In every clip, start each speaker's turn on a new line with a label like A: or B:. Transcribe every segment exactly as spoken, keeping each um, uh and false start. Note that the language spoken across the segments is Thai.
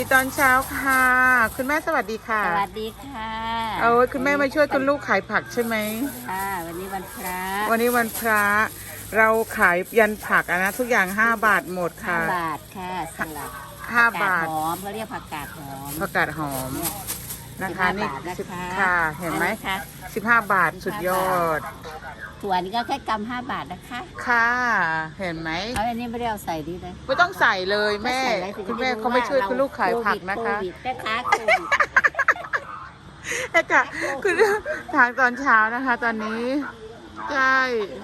A: ตอนเช้าค่ะคุณแม่สวัสดีค่ะ
B: สวัสดีค่ะ
A: เอาคุณแม่มาช่วยคุณลูกขายผักใช่ไหม
B: ค่ะวันนี้วันพระ
A: วันนี้วันพระเราขายยันผักอะนะทุกอย่างห้าบาทหมดค่ะ
B: ห้าบาทค่ะสลัด
A: ห้าบาท
B: หอมเขาเรียกผักกาดหอม
A: ผักกาดหอมนะคะนี่สิบค่ะเห็นไหมสิบห้าบาทสุดยอด
B: ถั่วนี่ก็แค่กำห้าบาทนะคะ
A: ค่ะเห็นไหม
B: เอาอันนี้ไม่ได้เอาใส่ดีเลย
A: ไม่ต้องใส่เลยแม่คุณแม่เขาไม่ช่วยคุณลูกขายผักนะคะ
B: แม่ค้าโควิด
A: เอ๊ะค่ะคือทางตอนเช้านะคะ ตอนนี้ใช่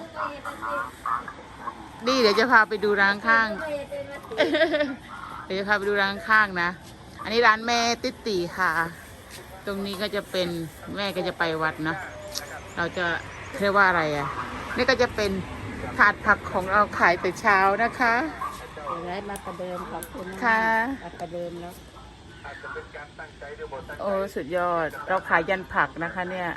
A: นี่เดี๋ยวจะพาไปดูร้านข้างเดี๋ยวจะพาไปดูร้านข้างนะอันนี้ร้านแม่ติ๊ตีค่ะตรงนี้ก็จะเป็นแม่ก็จะไปวัดนะเราจะเรียกว่าอะไรอ่ะนี่ก็จะเป็นถาดผักของเราขายแต่เช้านะคะ
B: เดี๋ยวได้มาประเดิมขอบคุณ
A: ค่ะ
B: มาประเดิมแล้ว
A: โอ้สุดยอดเราขายยันผักนะคะเนี่ย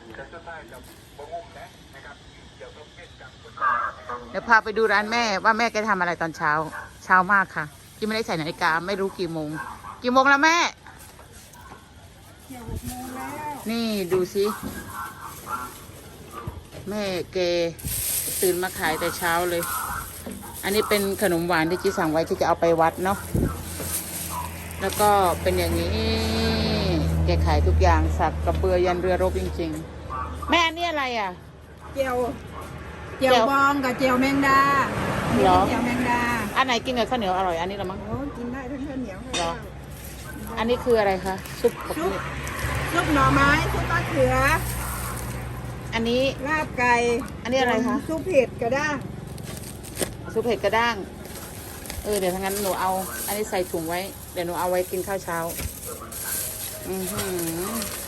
A: เดี๋ยวพาไปดูร้านแม่ว่าแม่แกทำอะไรตอนเช้าเช้ามากค่ะที่ไม่ได้ใส่นาฬิกาไม่รู้กี่โมงกี่โมงแล้วแม่นี่ดูสิแม่แกตื่นมาขายแต่เช้าเลยอันนี้เป็นขนมหวานที่จีสั่งไว้ที่จะเอาไปวัดเนาะแล้วก็เป็นอย่างนี้แกขายทุกอย่างสักกระเบือยันเรือรบจริงๆแม่อันนี้อะไรอ่ะ
C: เจียวเจียวบองกับเจียวแมงดา
A: เหรอ
C: เจียวแมงดา
A: อันไหนกินกับข้าวเหนียวอร่อยอันนี้หรอมั้ง
C: โอ้กินได้ทั้งข้าวเหนียว
A: เหรออันนี้คืออะไรคะซุปซุป
C: ซุปหน่อไม้ซุปมะเขือ
A: อันนี้
C: ลาบไก่
A: อันนี้อะไรคะ
C: ซุปเผ็ดกระด้าง
A: ซุปเผ็ดกระด้างเออเดี๋ยวทั้งนั้นหนูเอาอันนี้ใส่ถุงไว้เดี๋ยวหนูเอาไว้กินข้าวเช้าอือหือ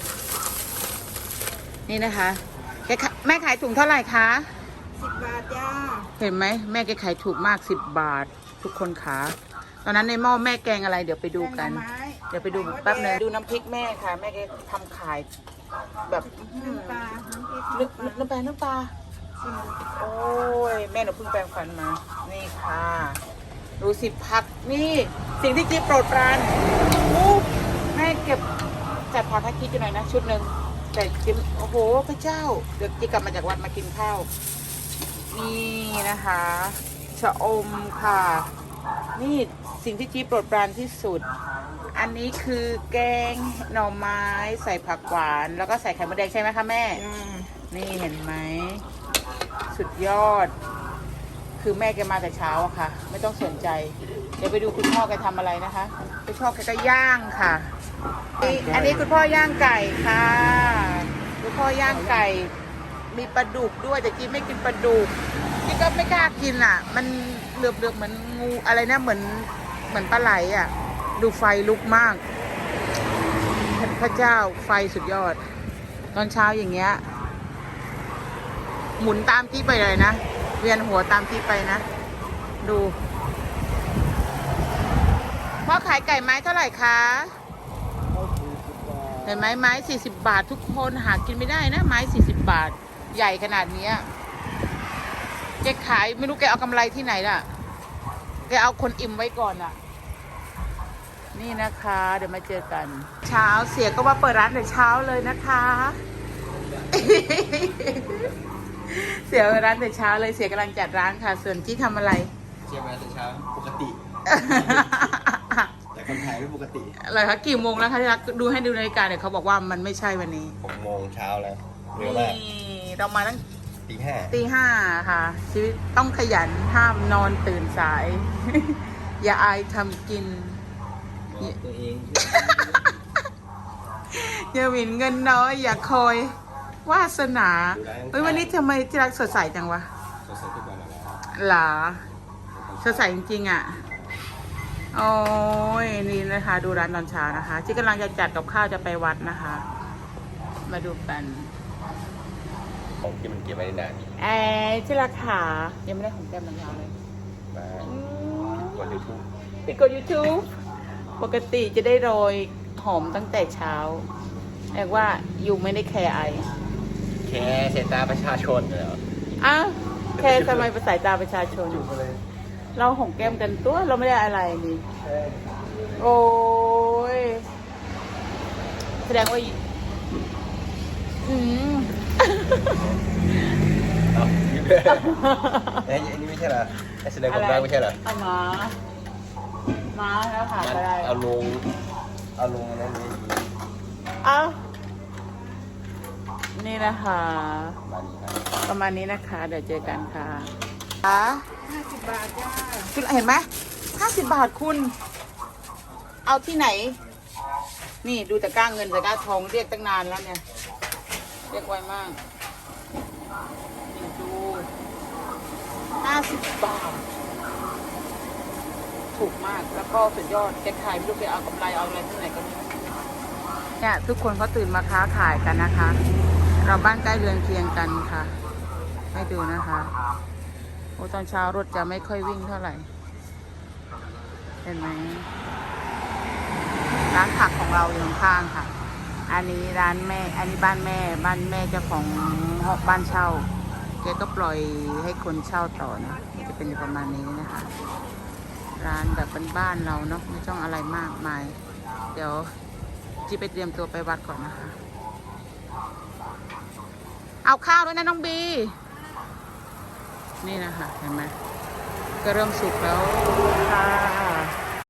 A: นี่นะคะแกแม่ขายถุงเท่าไหร่คะ
C: สิบบาทจ้า
A: เห็นไหมแม่แกขายถูกมากสิบบาททุกคนขาตอนนั้นในหม้อแม่แกงอะไรเดี๋ยวไปดูกันเดี๋ยวไปดูแป๊บนึงดูน้ำพริกแม่ค่ะแม่แกทำขายแบบ
C: น้ำปลา
A: น้ำปลาน้ำปลาโอ้ยแม่หนูเพิ่งแปรงฟันมานี่ค่ะดูสิผักนี่สิ่งที่จิ๊บโปรดปรานแม่เก็บจัดผักให้จิ๊บหน่อยนะชุดหนึ่งแต่จิ๊บโอ้โหพระเจ้าเดี๋ยวจิ๊บกลับมาจากวัดมากินข้าวนี่นะคะชะอมค่ะนี่สิ่งที่จิ๊บโปรดปรานที่สุดอันนี้คือแกงหน่อไม้ใส่ผักหวานแล้วก็ใส่ไข่มดแดงใช่ไหมคะแม่นี่เห็นไหมสุดยอดคือแม่แกมาแต่เช้าอะค่ะไม่ต้องสนใจเดี๋ยวไปดูคุณพ่อแกทำอะไรนะคะคุณพ่อแกก็ย่างค่ะอันนี้คุณพ่อย่างไก่ค่ะคุณพ่อย่างไก่มีปลาดุกด้วยแต่จีไม่กินปลาดุกจีก็ไม่กล้ากินอ่ะมันเหลือบๆเหมือนงูอะไรนะเหมือนเหมือนปลาไหลอ่ะดูไฟลุกมากพระเจ้าไฟสุดยอดตอนเช้าอย่างเงี้ยหมุนตามที่ไปเลยนะเวียนหัวตามที่ไปนะดูพ่อขายไก่ไม้เท่าไหร่คะเห็นไหมไม้สี่สิบบาททุกคนหากินไม่ได้นะไม้สี่สิบบาทใหญ่ขนาดนี้แกขายไม่รู้แกเอากำไรที่ไหนล่ะแกเอาคนอิ่มไว้ก่อนอ่ะนี่นะคะเดี๋ยวมาเจอกันเช้าเสียก็ว่าเปิดร้านแต่เช้าเลยนะคะเสียร้านแต่เช้าเลยเสียกำลังจัดร้านค่ะส่วนจี้ทำอะไร
D: เชียร์มาแต่เช้าปกติแต่คนไทยไม่ปกติ
A: อะไรคะกี่โมงแล้วคะที่รักดูให้ดูนาฬิกาเดี๋ยวเขาบอกว่ามันไม่ใช่วันนี้
D: หกโมงเช้าแล้วเร็วมาก
A: เรามาตั้ง
D: ตีห้า
A: ตีห้าค่ะชีวิตต้องขยันห้ามนอนตื่นสายอย่าอายทำกิน
D: ตัวเอง
A: อย่าหมิ่นเงินน้อยอย่าคอยวาสนาเฮ้ยวันนี้ทำไมที่รักสดใสจังวะ
D: สดใสทุกวันแล้ว
A: หรอสดใสจริงๆอ่ะโอ้ยนี่นะคะดูร้านตอนเช้านะคะที่กำลังจะจัดกับข้าวจะไปวัดนะคะมาดูกัน
D: ของที่มันเก็บไว้นาน
A: เอ๊ะที่ราคายังไม่ได้ของแก้มมันยาวเลย
D: มาปิดกดยูทูบ
A: ปิดกดยูทูบปกติจะได้โรยหอมตั้งแต่เช้าเรียกว่าอยู่ไม่ได้แคร์ไอ
D: แคร์สายตาประชาชนเหรอ
A: อ้าวแคร์ทำไมสายตาประชาชนเราหอมแก้มกันตัวเราไม่ได้อะไรนี่โอ้โอ้ยแสดงว่าอืม
D: เอายิ้มเลยไอ้อันนี้ไม่ใช่เหรอไอ้แสดงความรักไม่ใช่เหรอ
A: เอามามาแล้วค่ะ
D: งั้น
A: ก็ได้
D: เอาลงเอาลงอันนั้นนี้
A: เอานี่นะคะ
D: มานี่ครับ
A: ประมาณนี้นะคะ เดี๋ยวเจอกันค่ะ
C: ห้าสิบบาทจ้า
A: คุณเห็นไหมห้าสิบบาทคุณ เอาที่ไหน นี่ดูตะกร้าเงินตะกร้าทองเรียกตั้งนานแล้วเนี่ย เรียกไวมากนี่ดูห้าสิบบาท ถูกมาก แล้วก็สุดยอดแกขายไม่รู้ไปเอากำไรเอาอะไรที่ไหนก็ไม่รู้เนี่ยทุกคนเขาตื่นมาค้าขายกันนะคะ เราบ้านใกล้เรือนเคียงกันค่ะ ให้ดูนะคะโอ้ตอนเช้ารถจะไม่ค่อยวิ่งเท่าไหร่ เห็นไหมร้านผักของเราอยู่ข้างๆค่ะ อันนี้ร้านแม่ อันนี้บ้านแม่ บ้านแม่เจ้าของหอบ้านเช่าแกก็ปล่อยให้คนเช่าต่อนะจะเป็นประมาณนี้นะคะ ร้านแบบบ้านๆเราเนาะไม่ต้องอะไรมากมาย เดี๋ยวจีไปเตรียมตัวไปวัดก่อนนะคะ เอาข้าวด้วยนะน้องบี นี่นะคะเห็นไหมก็เริ่มสุกแล้วค่ะ